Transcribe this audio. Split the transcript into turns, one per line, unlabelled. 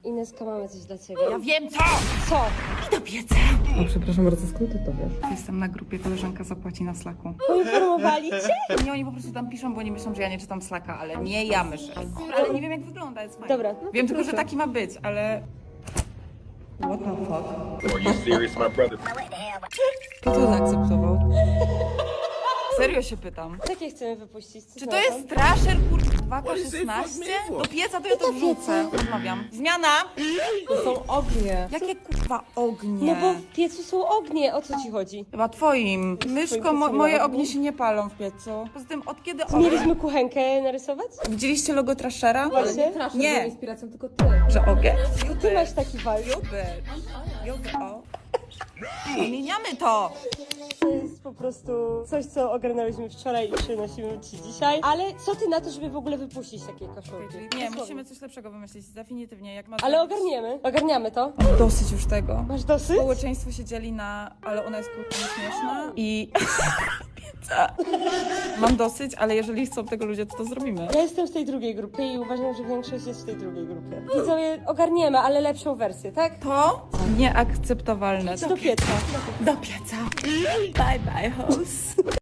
Ineska, mamy coś dla ciebie.
Ja wiem co!
Co?
I do pieca!
O, przepraszam bardzo, skąd ty to wiesz?
Jestem na grupie, koleżanka zapłaci na Slacku.
Poinformowali cię?
Nie, oni po prostu tam piszą, bo oni myślą, że ja nie czytam Slacka, ale nie ja myślę. Ale nie wiem jak wygląda, jest fajnie.
Dobra.
Wiem tylko, że taki ma być, ale... What the fuck?
Are you serious, my brother?
Kto to zaakceptował? Serio się pytam.
Jakie chcemy wypuścić? Co
Czy
ty
to
na
jest Trasher kurwa 16? Do pieca to ja to
do pieca.
wrzucę. Rozmawiam. Zmiana!
To są ognie.
Jakie kurwa ognie?
No bo w piecu są ognie, o co ci chodzi?
Chyba twoim. Myszko,
piecu
moje
nie ma
ognie
ogni?
się nie palą w piecu. Poza tym od kiedy
Co, mieliśmy kuchenkę narysować?
Widzieliście logo Trashera?
Właśnie.
Nie.
inspiracją tylko ty.
Że ogień?
Ty masz taki vibe.
O. Zmieniamy to!
To jest po prostu coś, co ogarnęłyśmy wczoraj i przynosimy ci dzisiaj. Ale co ty na to, żeby w ogóle wypuścić takie koszulki?
Nie,
Dosłownie.
musimy coś lepszego wymyślić, definitywnie. Jak masz
Ale ogarniamy to.
dosyć już tego.
Masz dosyć?
Społeczeństwo się dzieli na, ale ona jest kurwa śmieszna i... Pizza. Mam dosyć, ale jeżeli chcą tego ludzie, to zrobimy.
Ja jestem w tej drugiej grupie i uważam, że większość jest w tej drugiej grupie. Widzowie, ogarniemy, ale lepszą wersję, tak?
To nieakceptowalne.
Do pieca.
Do pieca. Bye bye, host.